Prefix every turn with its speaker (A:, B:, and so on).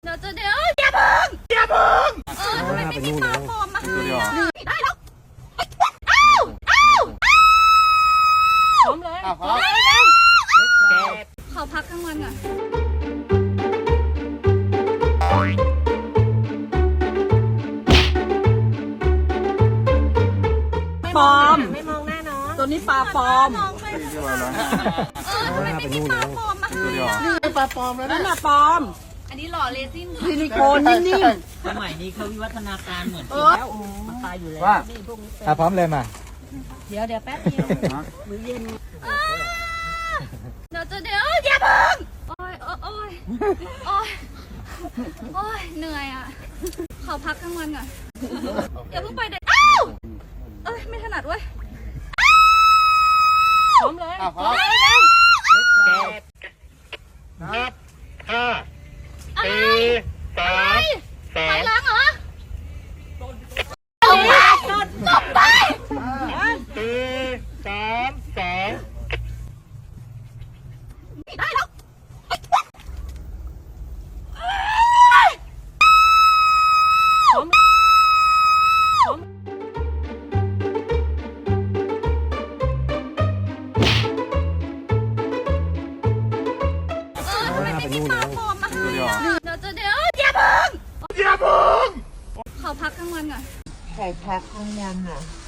A: เดี๋ยวอย่าเพิ่งทำไมไม่มีปลาปลอมมาให้ได้แล้วพร้อมเลยขอพักกลางวันก่อน
B: ปลอม
C: ไม่มองหน้าน้อง
B: ตัวนี้ปลาปลอม
A: ทำไมไม่มีปลาปลอมมาให้
D: ปลาปลอมแล้ว
B: นั่
D: นะ
B: นน่ะปลอม
A: อันนี้หล่อเลซิน
B: ซิลิโคนนิ่ม
C: สมัยนี้เขาวิวัฒนาการเหมือนแล้วมันตายอยู่แล้ว
D: ว่า
C: นี่พวกนี้
D: พร้อมเลยมา
C: เดี๋ยวแป๊บเดียวมื้อเย็น
A: เดี๋ยวอย่าเพิ่งโอ้ยเหนื่อยอ่ะขอพักกลางวันก่อนอย่าเพิ่งไปเด็ดไม่ถนัดเว้ยพร้อมเลย
D: พร้อมนับห้า
A: อะไร
D: สาม
A: ไปล้างเหรอตบไป
D: สี่สามสอง
A: ได้แล้วทำไมไม่มีปลาปลอมมาให้เดี๋ยวอย่าเพิ่งขอพักกลางวันก่อน
D: ขอพักกลางวันอ่ะ